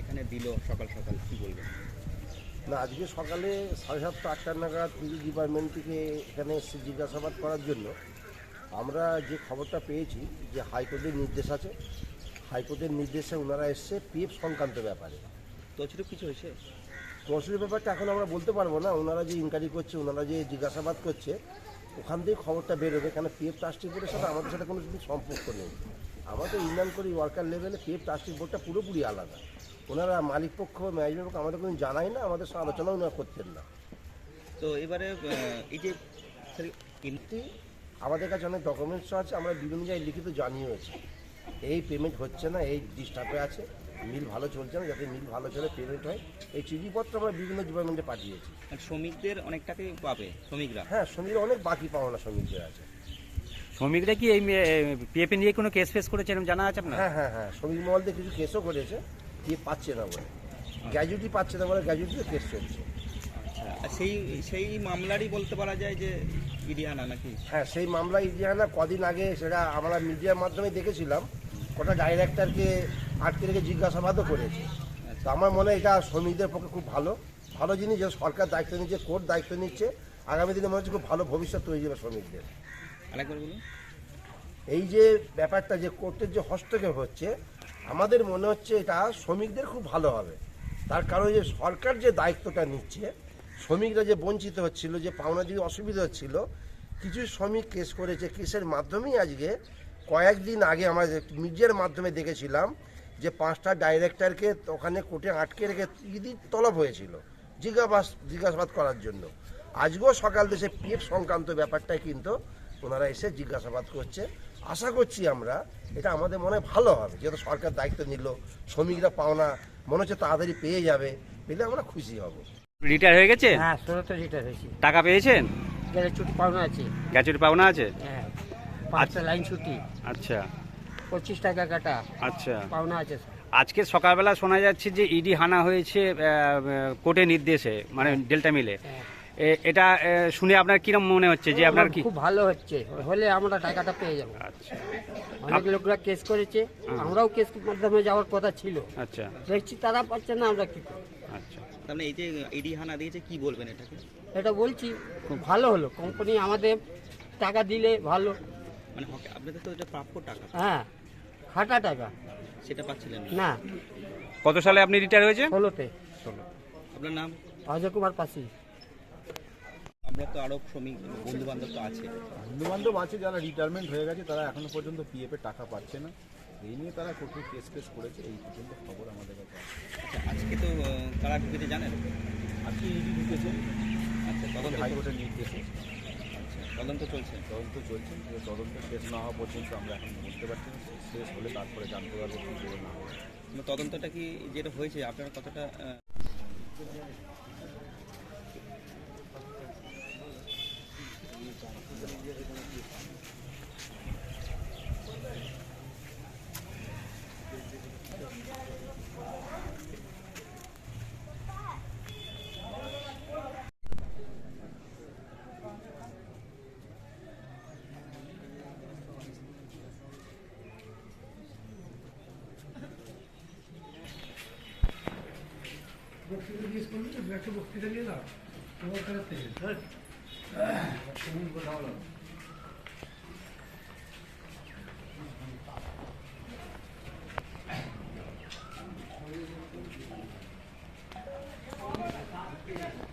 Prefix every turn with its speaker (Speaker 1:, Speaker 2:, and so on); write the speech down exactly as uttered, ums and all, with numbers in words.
Speaker 1: এখানে দিল সকাল সকাল, কি বলবেন?
Speaker 2: না, আজকে সকালে সাড়ে সাতটা আটটা নাগাদ পুলিশ ডিপার্টমেন্ট থেকে এখানে এসে জিজ্ঞাসাবাদ করার জন্য আমরা যে খবরটা পেয়েছি যে হাইকোর্টের নির্দেশ আছে, হাইকোর্টের নির্দেশে ওনারা এসছে পিএফ সংক্রান্ত ব্যাপারে।
Speaker 1: তছরূপ কিছু হয়েছে?
Speaker 2: তহসিলের ব্যাপারটা এখন আমরা বলতে পারবো না, ওনারা যে ইনকোয়ারি করছে, ওনারা যে জিজ্ঞাসাবাদ করছে ওখান থেকে খবরটা বেরোবে। কেন পিএফ ট্রাস্টি বোর্ডের সাথে আমাদের সাথে কোনো কিছু সম্পর্ক নেই। আমাদের ইউনিয়ন করি ওয়ার্কার লেভেলে পিএফ ট্রাস্টি বোর্ডটা পুরোপুরি আলাদা। ওনারা মালিক পক্ষ ম্যানেজমেন্ট পক্ষ আমাদের কোনো জানাই না, আমাদের সাথে আলোচনাও ওনারা করতেন না।
Speaker 1: তো এবারে এই যে
Speaker 2: কিন্তু আমাদের কাছে অনেক ডকুমেন্টস আছে, আমরা বিভিন্ন জায়গায় লিখিত জানিয়েছি এই পেমেন্ট হচ্ছে না, এই ডিস্টার্বে আছে, মিল ভালো চলছে না, যাতে মিল ভালো চলে পেমেন্ট হয়, এই চিঠিপত্র আমরা বিভিন্ন ডিপার্টমেন্টে পাঠিয়েছি।
Speaker 1: শ্রমিকদের অনেক টাকাই পাবে শ্রমিকরা?
Speaker 2: হ্যাঁ, শ্রমিকরা অনেক বাকি পাওনা শ্রমিকদের আছে।
Speaker 3: শ্রমিকরা কি এই পিএফ নিয়ে কোনো কেস ফেস করেছে এরকম জানা আছে আপনার?
Speaker 2: হ্যাঁ হ্যাঁ হ্যাঁ শ্রমিক মহলদের কিছু কেসও করেছে, কি পাচ্ছে না বলে, গ্র্যাজুইটি পাচ্ছে না বলে গ্র্যাজুইটিতে কেস চলছে।
Speaker 1: আচ্ছা, সেই সেই মামলারই বলতে পারা যায় যে ইডিয়ানা নাকি?
Speaker 2: হ্যাঁ, সেই মামলা ইডিয়ানা কদিন আগে সেটা আমরা মিডিয়ার মাধ্যমে দেখেছিলাম, কটা ডাইরেক্টরকে আটকে রেখে জিজ্ঞাসাবাদও করেছে। তো আমার মনে হয় এটা শ্রমিকদের পক্ষে খুব ভালো ভালো জিনিস, যে সরকার দায়িত্ব নিচ্ছে, কোর্ট দায়িত্ব নিচ্ছে, আগামী দিনে মনে হচ্ছে খুব ভালো ভবিষ্যৎ তৈরি হবে শ্রমিকদের।
Speaker 1: আরেকবার বলুন।
Speaker 2: এই যে ব্যাপারটা যে কোর্টের যে হস্তক্ষেপ হচ্ছে, আমাদের মনে হচ্ছে এটা শ্রমিকদের খুব ভালো হবে। তার কারণ যে সরকার যে দায়িত্বটা নিচ্ছে, শ্রমিকরা যে বঞ্চিত হচ্ছিল, যে পাওনা দিয়ে অসুবিধা হচ্ছিল, কিছু শ্রমিক কেস করেছে, কেসের মাধ্যমেই আজকে কয়েকদিন আগে আমরা মিডিয়ার মাধ্যমে দেখেছিলাম যে পাঁচটা ডাইরেক্টরকে ওখানে কোর্টে আটকে রেখে ইডি তলব হয়েছিল জিজ্ঞাসাবাদ জিজ্ঞাসাবাদ করার জন্য। আজকেও সকাল দেশে পিএফ সংক্রান্ত ব্যাপারটাই কিন্তু ওনারা এসে জিজ্ঞাসাবাদ করছে। আশা করছি আমরা এটা আমাদের মনে ভালো হবে, যেহেতু সরকার দায়িত্ব নিল, শ্রমিকরা পাওনা মনে হচ্ছে তাড়াতাড়ি পেয়ে যাবে, পেলে আমরা খুশি হব।
Speaker 3: রিটায়ার হয়ে গেছে?
Speaker 4: হ্যাঁ, ষোলোতে রিটায়ার হয়েছি।
Speaker 3: টাকা পেয়েছেন?
Speaker 4: গেলে ছুটি পাওনা আছে।
Speaker 3: গ্র্যাচুইটি পাওনা আছে?
Speaker 4: হ্যাঁ, পাঁচটা লাইন ছুটি,
Speaker 3: আচ্ছা
Speaker 4: পঁচিশ টাকা কাটা
Speaker 3: আচ্ছা।
Speaker 4: পাওনা আছে।
Speaker 3: আজকে সকালবেলা শোনা যাচ্ছে যে ইডি হানা হয়েছে কোর্টের নির্দেশে, মানে ডেল্টা মিলে।
Speaker 4: হ্যাঁ।
Speaker 3: এ- এটা এ, শুনে আপনার কিরকম মনে হচ্ছে যে আপনার কি?
Speaker 4: খুব ভালো হচ্ছে, হলে আমরা টাকাটা পেয়ে যাবো।
Speaker 3: আচ্ছা
Speaker 4: অনেক লোকরা কেস করেছে, আমরাও কেস মাধ্যমে যাওয়ার কথা ছিল,
Speaker 3: আচ্ছা
Speaker 4: দেখছি তারা পাচ্ছে না, আমরা কি করব?
Speaker 3: আচ্ছা।
Speaker 1: তাহলে এই যে ইডি হানা দিয়েছে, কি বলবেন এটাকে?
Speaker 4: এটা বলছি খুব ভালো হলো, কোম্পানি আমাদের টাকা দিলে ভালো।
Speaker 1: মানে হক- আপনাদের তো এটা প্রাপ্য টাকা,
Speaker 4: হ্যাঁ, খাটা টাকা
Speaker 1: সেটা পাচ্ছিলেন না?
Speaker 4: না।
Speaker 3: কত সালে আপনি রিটায়ার হয়েছে?
Speaker 4: ষোলোতে।
Speaker 1: আপনার নাম?
Speaker 4: অজয় কুমার পাসি।
Speaker 1: আমরা তো আরো শ্রমিক বন্ধু বান্ধব তো আছে।
Speaker 5: বন্ধু বান্ধব আছে যারা রিটায়ারমেন্ট হয়ে গেছে, তারা এখনো পর্যন্ত পিএফ এর টাকা পাচ্ছে না। এই নিয়ে তারা কোর্টে কেস কেস করেছে, এই পর্যন্ত খবর আমাদের কাছে আছে।
Speaker 1: আচ্ছা, আজকে তো আহ, কারা ঢুকেছে জানেন?
Speaker 5: আজকে ইডি ঢুকেছে
Speaker 1: আচ্ছা, তদন্ত
Speaker 5: হাইকোর্টের নির্দেশে।
Speaker 1: আচ্ছা, তদন্ত চলছে।
Speaker 5: তদন্ত চলছে, যে তদন্ত শেষ না হওয়া পর্যন্ত আমরা এখন বলতে পারছি না। শেষ হলে তারপরে জানতে পারবো কি করে না হবে।
Speaker 1: মানে তদন্তটা কি যেটা হয়েছে আপনারা কতটা আহ,
Speaker 6: বক্তৃতা জিজ্ঞেস করলি তো, একটা বক্তৃতা নিয়ে না তোমার কাছ থেকে, হ্যাঁ কথা বলো।
Speaker 5: Thank you.